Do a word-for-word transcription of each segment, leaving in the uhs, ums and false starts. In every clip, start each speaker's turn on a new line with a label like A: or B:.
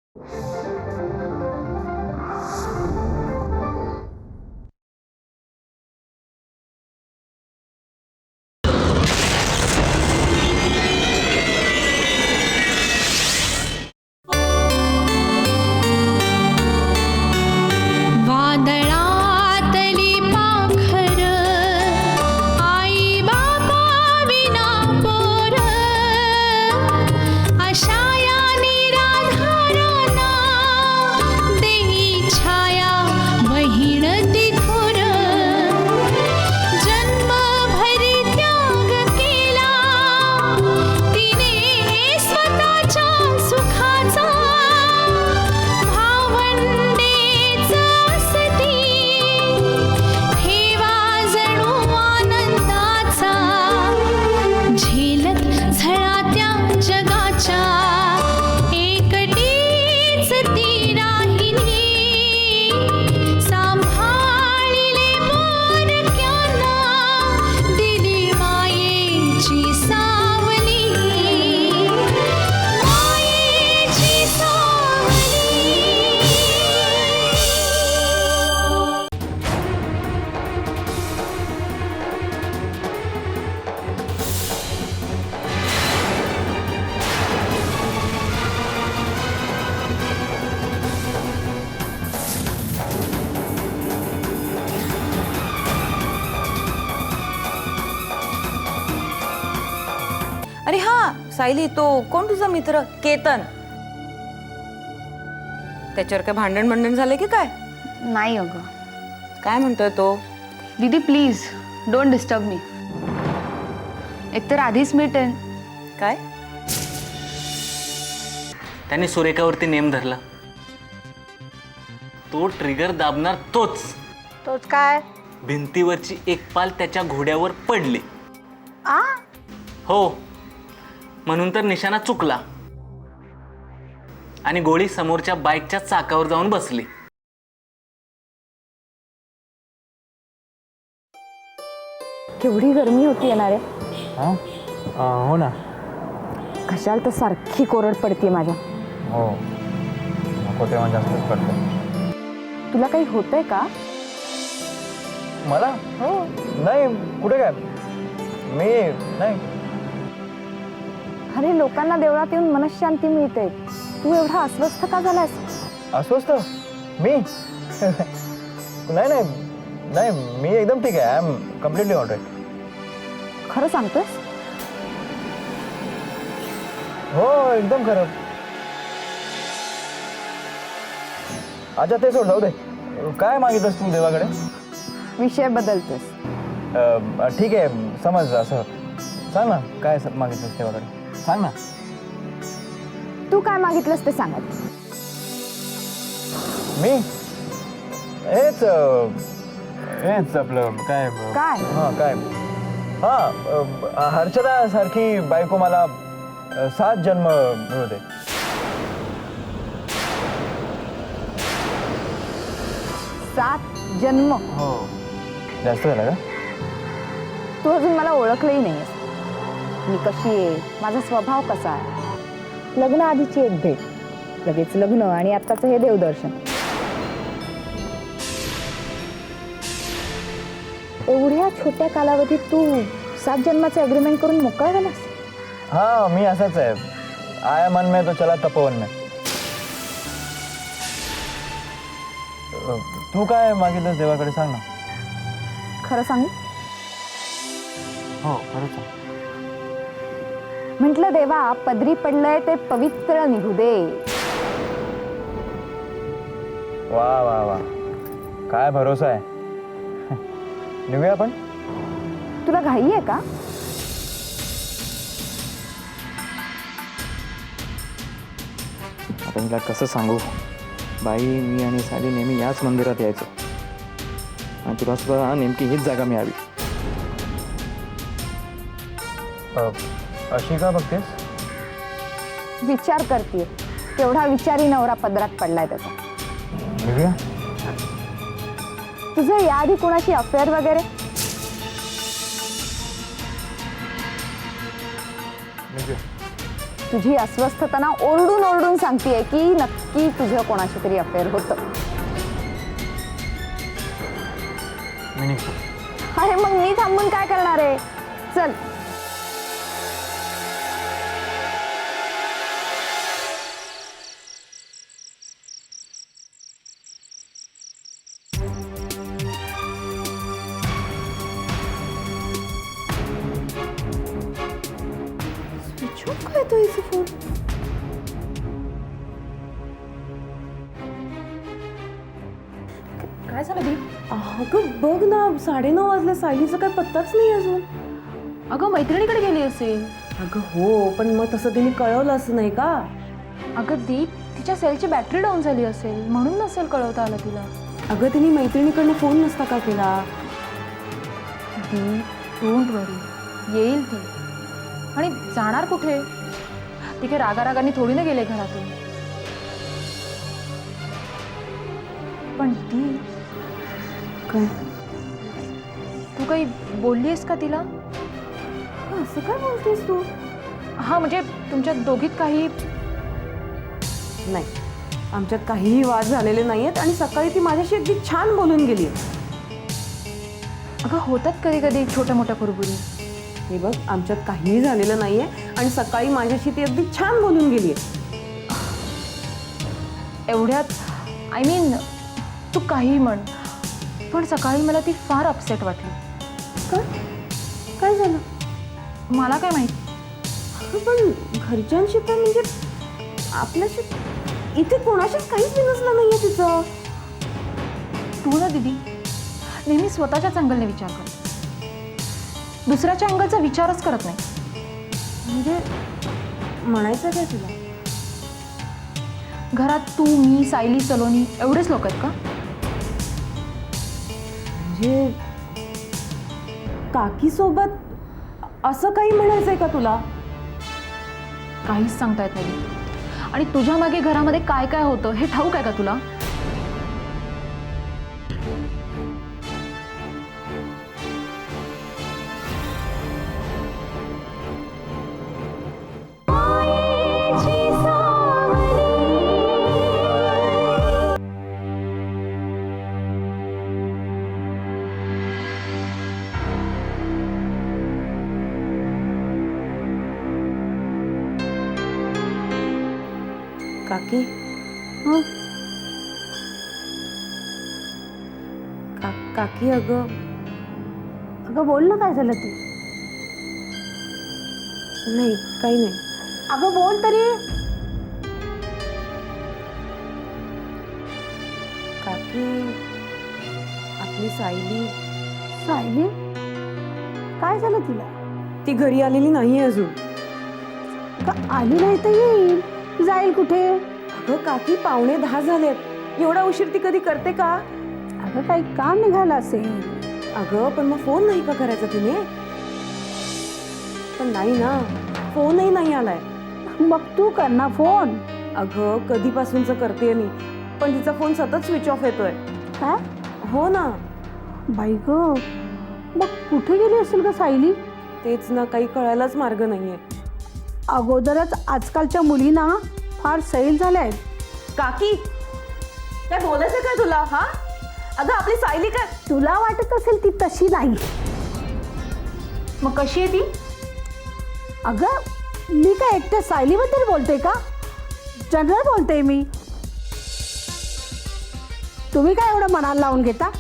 A: अरे हाँ सायली, तो कोण तुझा मित्र केतन? त्याच्यावर काय भांडण भांडण झाले की काय?
B: नाही अगं.
A: काय म्हणतोय तो?
B: दीदी प्लीज डोंट डिस्टर्ब मी. एकतर आधीच मी टेन.
A: काय?
C: त्याने सुरेखावरती नेम धरला. तो ट्रिगर दाबणार तोच.
B: तोच काय?
C: भिंतीवरची एक पाल त्याच्या घोड्यावर पडली.
B: आ?
C: हो, म्हणून तर निशाणा चुकला आणि गोळी समोरच्या बाईकच्या चाकावर जाऊन बसली.
D: केवढी गरमी होती येणारे.
E: हो ना.
D: कशाला तर सारखी कोरड पडते माझ्या.
E: हो, नको तेव्हा जास्तच पडतं.
D: तुला काही होतंय का?
E: मला हो नाही, कुठे काय मी नाही.
D: अरे लोकांना देवळात येऊन मनशांती मिळते, तू एवढा अस्वस्थ का झालास?
E: अस्वस्थ मी नाही नाही नाही मी एकदम ठीक आहे. I am completely all right.
D: खरं सांगतोस?
E: हो एकदम खरं. अच्छा ते सोड, जाऊ दे. काय मागितलंस तू देवाकडे?
D: विषय बदलतोस.
E: अं, ठीक आहे, समज असं सांग ना, काय मागितलंस देवाकडे सांग ना.
D: तू काय मागितलंस ते सांग.
E: मी हेच अं, हेच आपलं काय
D: काय?
E: हां काय हां हर्षदा सारखी बायको मला अं, सात जन्म मिळू दे.
D: सात जन्म?
E: हो. जास्त झालं का?
D: तू अजून मला ओळखलंही नाहीस. मी कशी आहे, माझा स्वभाव कसा आहे. लग्न आधीची एक भेट, लगेच लग्न आणि आत्ताचं हे देवदर्शन. एवढ्या छोट्या कालावधीत तू सात जन्माचं अग्रीमेंट करून मोकळा झालास?
E: हाँ मी असाच आहे. आया मन में तो चला तपोवन में. तू काय मागितलंस देवाकडे सांग ना.
D: खरं सांगू?
E: हो खरंच सांग.
D: म्हटलं देवा, पदरी पडलंय ते पवित्र निघू दे.
E: वा वा वा, काय भरोसा आहे. निघूया आपण.
D: तुला घाई आहे का?
F: आता मला कसं सांगू, बाई मी आणि साली नेहमी याच मंदिरात यायचो आणि तुला सुद्धा नेमकी हीच जागा मिळावी.
E: अशी का बघतेस?
D: विचार करते, तेवढा विचारी नवरा पदरात पडलाय त्याचा.
E: निघूया.
D: तुझं याआधी कोणाशी अफेअर वगैरे?
E: निघूया.
D: तुझी अस्वस्थता ना ओरडून ओरडून सांगतेय की नक्की तुझं कोणाशी तरी अफेअर होतं.
E: मी निघतो.
D: अरे मग मी थांबून काय करणार आहे? चल.
A: स्विच ऑफ काय तो इथे फोन?
B: काय झालं दी?
A: अगं बघ ना, साडेनऊ वाजले, सायलीचा काय पत्ताच नाही अजून.
B: अगं मैत्रिणीकडे गेली असेल.
A: अगं हो, पण मग तसं तिने कळवलं असं नाही का?
B: अगं दीप, तिच्या सेलची बॅटरी डाऊन झाली असेल म्हणून नसेल कळवता आलं तिला.
A: अगं तिने मैत्रिणीकडनं फोन नसता का केला?
B: दीप डोंट वरी, येईल ती. आणि जाणार कुठे? ती काही रागारागाने थोडी ना गेले घरातून. पण ती
A: काय
B: तू काही बोललीस का तिला?
A: असं काय बोलतेस तू?
B: हा म्हणजे तुमच्या दोघीत काही?
A: नाही, आमच्यात काहीही वाद झालेले नाहीयेत आणि सकाळी ती माझ्याशी अगदी छान बोलून गेली.
B: अगं होतात कधी कधी छोट्या मोठ्या कुरबुरी.
A: हे बघ, आमच्यात काहीही झालेलं नाहीये आणि सकाळी माझ्याशी ती अगदी छान बोलून गेली.
B: एवढ्यात आय मीन तू काही म्हण, पण सकाळी मला ती फार अपसेट वाटली.
A: काय काय झालं?
B: मला काय माहिती.
A: अगं पण घरच्यांशी तर म्हणजे आपल्याशी इथे कोणाशीच काहीच बिनसलं नाहीये तिचं.
B: तू ना दीदी नेहमी स्वतःच्याच अँगलने विचार कर, दुसऱ्याच्या अँगलचा विचारच करत नाही.
A: म्हणजे म्हणायचं काय तुला?
B: घरात तू, मी, सायली, सलोनी एवढेच लोक आहेत का?
A: म्हणजे काकी सोबत असं काही म्हणायचंय का तुला?
B: काहीच सांगता येत नाही. आणि तुझ्या मागे घरामध्ये काय काय होतं हे ठाऊक आहे का तुला?
A: काकी हं? का काकी अगं
D: अगं बोल ना, काय झालं ते?
A: नाही, काही नाही.
D: अगं बोल तरी.
A: काकी आपली सायली.
D: सायली? काय झालं तिला?
A: ती घरी आलेली नाही अजून.
D: का आली नाही तर येईल, जाईल कुठे?
A: अगं काकी, पावणे दहा झालेत. एवढा उशीर ती कधी करते का?
D: अगं काही काम निघालं असेल.
A: अगं पण मग फोन नाही का करायचा तिने? पण नाही ना, फोनही नाही आलाय.
D: मग तू कर ना फोन.
A: अगं कधीपासूनच करते मी, पण तिचा फोन सतत स्विच ऑफ येतोय.
D: काय?
A: हो ना.
D: बाई ग, मग कुठे गेली असेल का सायली?
A: तेच ना, काही कळायलाच मार्ग नाहीये.
D: अगोदरच आजकालच्या मुलींना फार सैल झाल्या आहेत.
A: काकी, काय बोलायचं काय तुला? हा अगं आपली सायली काय?
D: तुला वाटत असेल ती तशी नाही.
B: मग कशी आहे ती?
D: अगं मी काय एकट्या सायलीबद्दल बोलते का? जनरल बोलते मी. तुम्ही काय एवढं मनाला लावून घेता?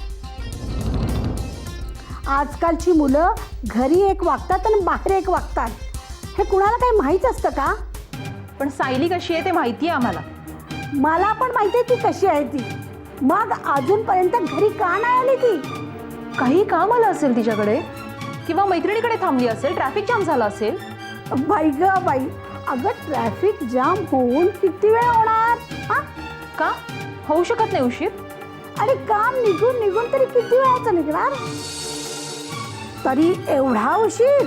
D: आजकालची मुलं घरी एक वागतात आणि बाहेर एक वागतात, हे कुणाला काही माहीत असतं का?
B: पण सायली कशी आहे ते माहिती आहे आम्हाला.
D: मला पण माहिती आहे ती कशी आहे ती. मग अजूनपर्यंत घरी का नाही आली ती?
B: काही काम आलं असेल तिच्याकडे, किंवा मैत्रिणीकडे थांबली असेल, ट्रॅफिक जाम झाला असेल.
D: बाई ग बाई, अगं ट्रॅफिक जाम होऊन किती वेळ होणार? हा,
B: का होऊ शकत नाही उशीर?
D: आणि काम निघून निघून तरी किती वेळाचं निघणार? तरी एवढा उशीर?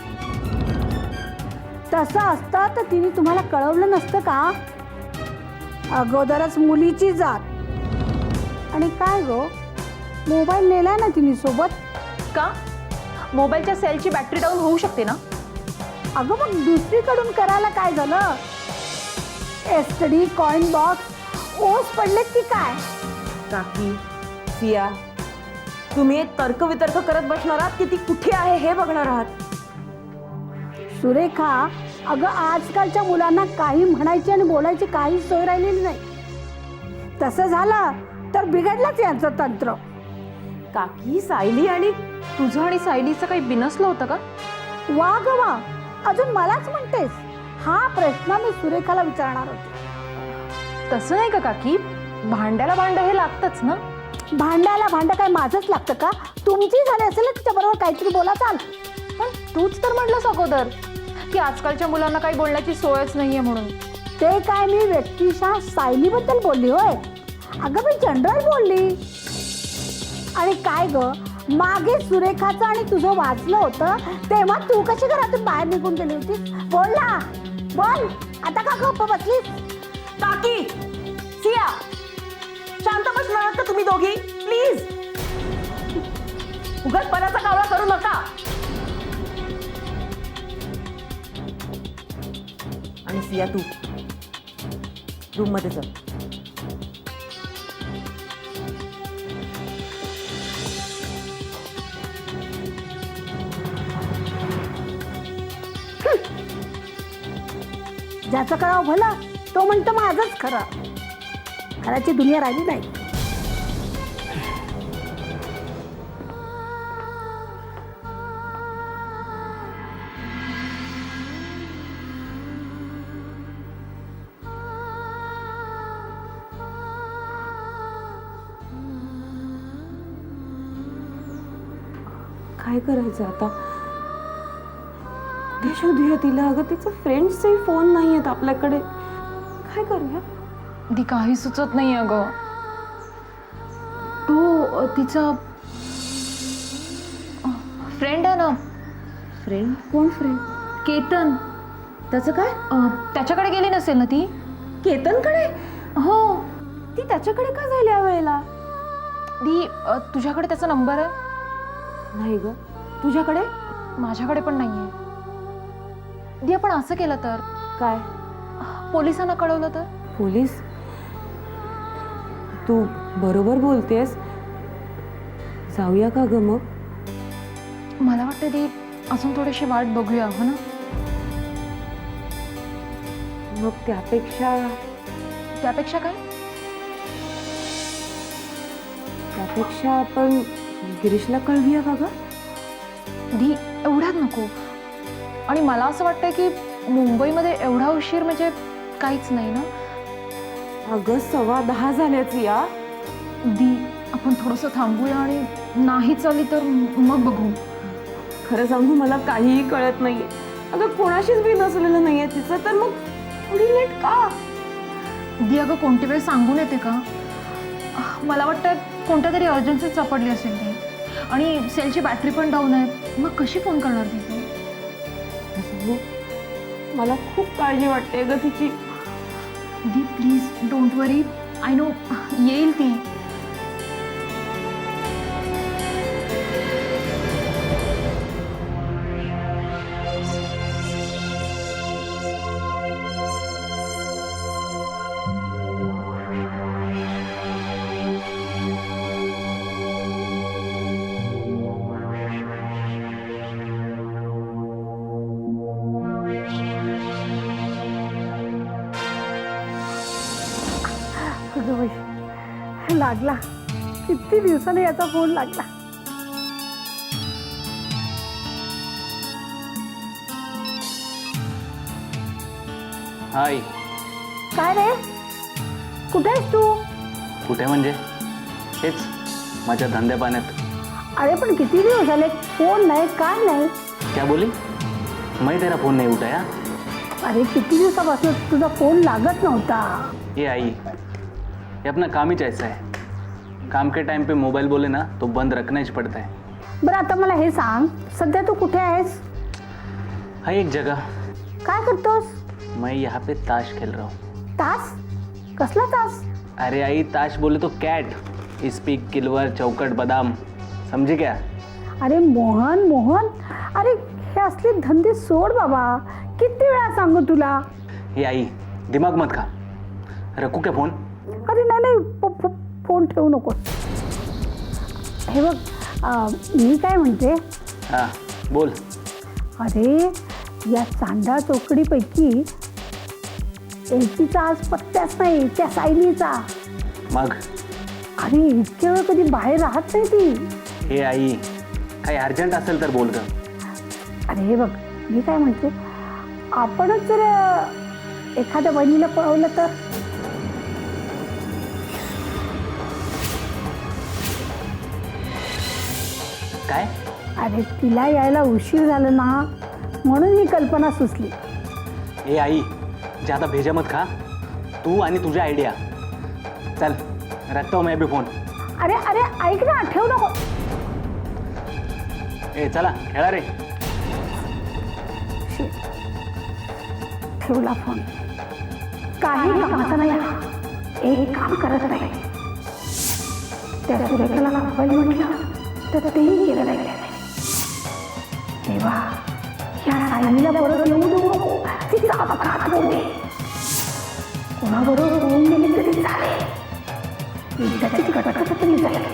D: तसं असतं तर तिने तुम्हाला कळवलं नसतं का? अगोदरच मुलीची जात. आणि काय गो, मोबाईल नेलाय ना तिने सोबत?
B: का? मोबाईलच्या सेलची बॅटरी डाऊन होऊ शकते ना.
G: अगं मग दुसरीकडून करायला काय झालं? S T D coin box ओस पडलेत की काय?
A: काकी, सिया, तुम्ही एक तर्क वितर्क करत बसणार आहात की ती कुठे आहे हे बघणार आहात?
G: सुरेखा, अगं आजकालच्या मुलांना काही म्हणायची आणि बोलायची काही सोय राहिलेली नाही. तसं झालं तर बिघडलंच यांचं तंत्र.
A: काकी, सायली आणि
B: तुझं आणि सायलीचं काही बिनसलं होतं का?
G: वा ग वा, अजून मलाच म्हणतेस? हा प्रश्न मी सुरेखाला विचारणार होते.
B: तसं नाही का काकी, भांड्याला भांड हे लागतंच ना.
G: भांड्याला भांड काय माझंच लागतं का? तुमची झाली असेल ना तिच्याबरोबर काहीतरी बोला चाल.
B: पण तूच तर म्हटलंस अगोदर की आजकालच्या मुलांना काही बोलण्याची सोयच नाहीये म्हणून.
G: ते काय मी व्यक्तिशः सायलीबद्दल बोलली होय? अगं मी जनरल बोलली. आणि काय ग, मागे सुरेखाचं आणि तुझं वाचलं होतं तेव्हा तू कशी घरातून बाहेर निघून गेली होतीस? बोल ना, बोल. आता का गप्प बसलीस?
A: काकी, सिया, शांत बसणार आहात का तुम्ही दोघी? प्लीज, उगाचपणाचा कावळा करू नका. आणि सिया, तू रूम मध्ये चल.
G: ज्याचं करावं भलं तो म्हणतो माझंच खरं. खराची दुनिया राहिली नाही.
A: काय करायचं आता? कुठे शोधूया तिला? अगं तिचं फ्रेंड्सचे फोन नाही आहेत आपल्याकडे. काय करूया?
B: ती काही सुचत नाही अगं. तो तिचा फ्रेंड आहे ना.
A: फ्रेंड? कोण फ्रेंड?
B: केतन.
A: त्याचं काय?
B: अं, त्याच्याकडे गेली नसेल ना ती?
A: केतनकडे?
B: हो.
A: ती त्याच्याकडे का जायला या वेळेला?
B: दी अं, तुझ्याकडे त्याचा नंबर आहे?
A: नाही ग. तुझ्याकडे?
B: माझ्याकडे पण नाहीये. दी आपण असं केलं तर?
A: काय?
B: पोलिसांना कळवलं तर?
A: पोलीस? तू बरोबर बोलतेस. जाऊया का ग मग?
B: मला वाटतं दी अजून थोडीशी वाट बघूया, हो ना?
A: मग त्यापेक्षा
B: त्यापेक्षा काय?
A: त्यापेक्षा आपण गिरीशला कळवूया का ग?
B: दी एवढ्यात नको. आणि मला असं वाटतं की मुंबईमध्ये एवढा उशीर म्हणजे काहीच नाही ना.
A: अगं सव्वा दहा झाल्याच या.
B: दी आपण थोडंसं थांबूया आणि नाही चालली तर मग बघू.
A: खरं सांगू, मला काहीही कळत नाहीये. अगं कोणाशीच बी नसलेलं नाहीये तिचं, तर मग थोडी लेट का?
B: दी अगं कोणती वेळ सांगून येते का? मला वाटतं कोणत्या तरी अर्जन्सीच सापडली असेल ती. आणि सेलची बॅटरी पण डाऊन आहे. मग कशी फोन करणार ती?
A: सांगू, मला खूप काळजी वाटते ग तिची.
B: दी please don't worry. I know येईल ती.
G: अगं बाई, लागला. किती दिवसाने याचा फोन लागला.
C: हाय.
G: काय रे, कुठे आहेस तू?
C: कुठे म्हणजे? हेच माझ्या धंद्या पाण्यात.
G: अरे पण किती दिवस झाले, फोन नाही काय नाही.
C: क्या बोली? मैं तेरा फोन नहीं उठाया.
G: अरे किती दिवसापासून तुझा फोन लागत नव्हता.
C: ये आई, ये अपना काम ही ऐसा है. काम के टाइम पे मोबाइल बोले ना तो बंद रखना ही पड़ता है.
G: बरं आता मला हे सांग, सध्या तू कुठे आहेस?
C: है एक जगह.
G: काय करतोस?
C: मैं यहाँ पे ताश खेल रहा हूँ.
G: तास? कसला तास?
C: अरे आई, ताश बोले तो कैट. स्पीक, किलवर, चौकट, बादाम, समझे क्या?
G: अरे मोहन मोहन, अरे हे असले धंदे सोड बाबा. किती वेळा सांगू तुला.
C: हे आई दिमाग मत खा. रखू क्या फोन?
G: अरे नाही नाही फो- फो- फोन ठेवू नको. हे बघ अं, मी काय म्हणते,
C: हां बोल.
G: अरे या चांदा चौकडीपैकी एकीचा आज पत्त्याच नाही, त्या सायलीचा.
C: मग
G: अरे इतक्या वेळ कधी बाहेर राहत नाही ती.
C: हे आई काही अर्जंट असेल तर बोल ग.
G: अरे हे बघ मी काय म्हणते, आपणच जर एखाद्या बहिणीला पळवलं तर.
C: काय?
G: अरे तिला यायला उशीर झाला ना, म्हणून ही कल्पना सुचली.
C: ए आई ज्यादा भेजा मत खा. तू आणि तुझ्या आयडिया. चल रखता हूं मैं भी फोन.
G: अरे अरे ऐक ना, ठेव नको.
C: ए चला खेळा रे.
G: ठेवला फोन. काही कामाचा नाही हा. एक काम करत नाही. त्या सुरेखाला मोबाईल म्हटलं तर तेही केलं नाही. तेव्हा या सायलीला परत येऊ देऊ नको. तिचा अपघात होऊ दे. कोणाबरोबर होऊन गेली तरी चालेल. एकदाची कटकट तरी जाईल.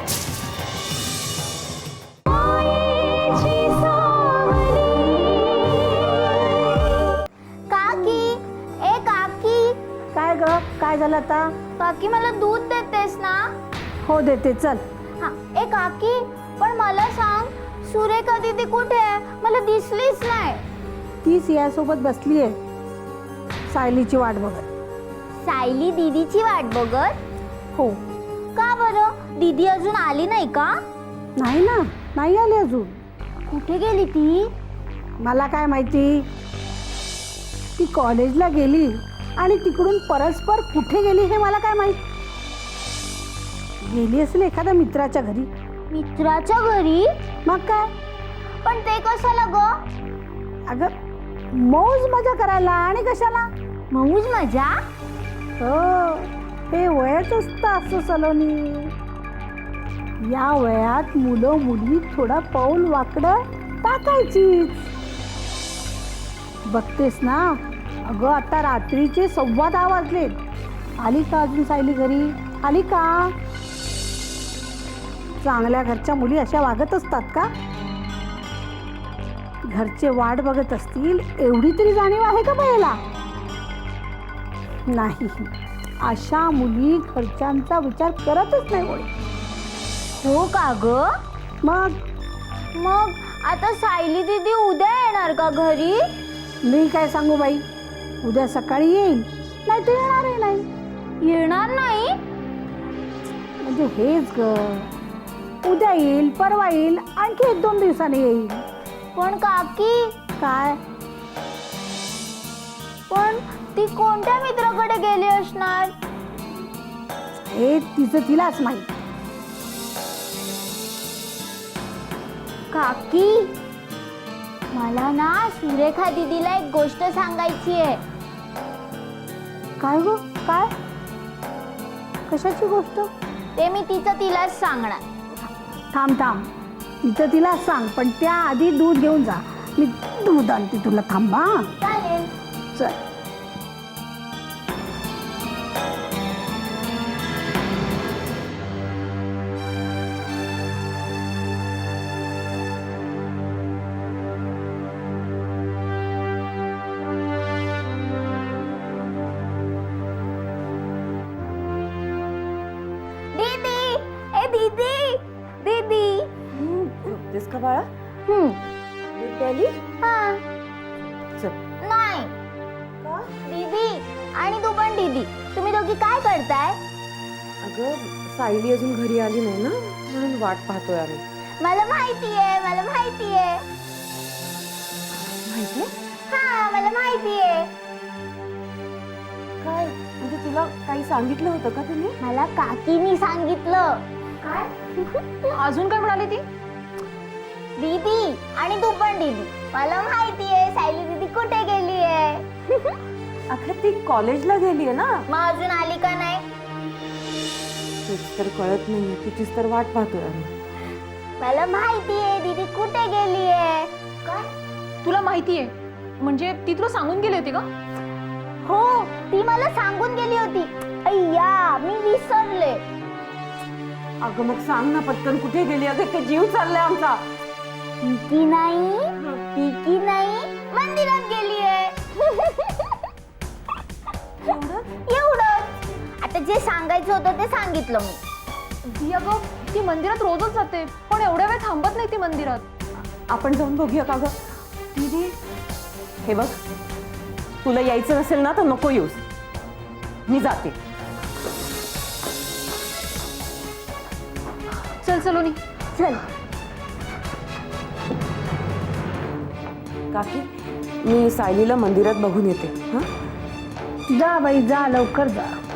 H: काकी, ए काकी.
G: काय ग, काय झालं आता?
H: काकी मला दूध देतेस ना?
G: हो देते, चल.
H: हा. ए काकी, पण मला सांग, सुरेखा दीदी कुठे आहे? मला दिसलीच नाही.
G: तीच यासोबत बसली आहे, सायलीची वाट बघत.
H: सायली दीदीची वाट बघत?
G: हो.
H: का बरं? दीदी अजून आली नाही का?
G: नाही ना, नाही आली अजून.
H: कुठे गेली ती?
G: मला काय माहिती. ती कॉलेजला गेली आणि तिकडून परस्पर कुठे गेली हे मला काय माहित. गेली असेल एखाद्या मित्राच्या घरी.
H: मित्राच्या घरी?
G: मग काय.
H: पण ते कशाला ग?
G: अगं मौज मजा करायला. आणि कशाला?
H: मौज मजा?
G: हो, हे वयच असतं असं सलोनी. या वयात मुलं मुली थोडा पाऊल वाकडं टाकायचीच. बघतेस ना, अगं आता रात्रीचे सव्वा दहा वाजलेत. आली का अजून सायली घरी? आली का? चांगल्या घरच्या मुली अशा वागत असतात का? घरचे वाट बघत असतील एवढी तरी जाणीव आहे का बायला? नाही. अशा मुली घरच्यांचा विचार करतच नाही कोणी.
H: हो का ग?
G: मग
H: मग आता सायली दीदी उद्या येणार का घरी?
G: मी काय सांगू बाई. उद्या सकाळी येईल, नाही तर येणारही नाही.
H: येणार नाही?
G: म्हणजे हेच ग, उद्या येईल, परवा येईल, आणखी एक दोन दिवसांनी येईल.
H: पण काकी,
G: काय?
H: पण ती कोणत्या मित्राकडे गेली असणार?
G: हे तिचं तिलाच माहित.
H: काकी, मला ना सुरेखा दीदीला एक गोष्ट सांगायची आहे.
G: काय गो, काय? कशाची गोष्ट?
H: ते मी तिचं तिलाच सांगणार.
G: थांब थांब, तिचं तिला सांग, पण त्या आधी दूध घेऊन जा. मी दूध आणते तुला. थांबा.
H: चालेल.
G: चल.
H: दीदी, ए दीदी, दीदी.
A: तेच का बाळा?
H: हम्म.
A: दूध प्यायली?
H: हा.
A: चल.
H: नाही. दीदी आणि तू पण दीदी, तुम्ही दोघी काय करताय?
A: अगं सायली अजून घरी आली नाही ना, म्हणून वाट पाहतोय आम्ही.
H: मला माहितीये, मला माहितीये.
A: माहितीये?
H: हा, मला माहितीये.
A: काय म्हणजे तुला काही सांगितलं होतं का तिने?
H: मला काकीनी सांगितलं. काय?
B: अजून काय म्हणाली ती?
H: दीदी आणि तू पण दीदी, मला माहितीये सायली दीदी कुठे गेली आहे.
A: अगं ती कॉलेजला गेलीये ना.
H: मग अजून आली का नाही?
A: तेच तर कळत नाहीये, तिचीच तर वाट पाहतोय आम्ही.
H: मला माहितीये दीदी कुठे गेली आहे. काय?
B: तुला माहिती आहे म्हणजे ती तुला सांगून गेली होती का?
H: हो, ती मला सांगून गेली होती. अय्या, मी विसरले.
A: अगं मग सांग ना पटकन, कुठे गेली? अगं ते जीव चाललाय आमचा.
H: ती नाही, ती नाही, मंदिरात गेली आहे. एवढंच. आता जे सांगायचं होतं ते सांगितलं मी.
B: ती अगं ती मंदिरात रोजच जाते, पण एवढ्या वेळ थांबत नाही ती मंदिरात.
A: आपण जाऊन बघूया का गं? दीदी हे बघ, तुला यायचं नसेल ना तर नको येऊस, मी जाते.
B: चल सलोनी.
H: चल.
A: काकी मी सायलीला मंदिरात बघून येते. हां
G: जा बाई जा, लवकर जा.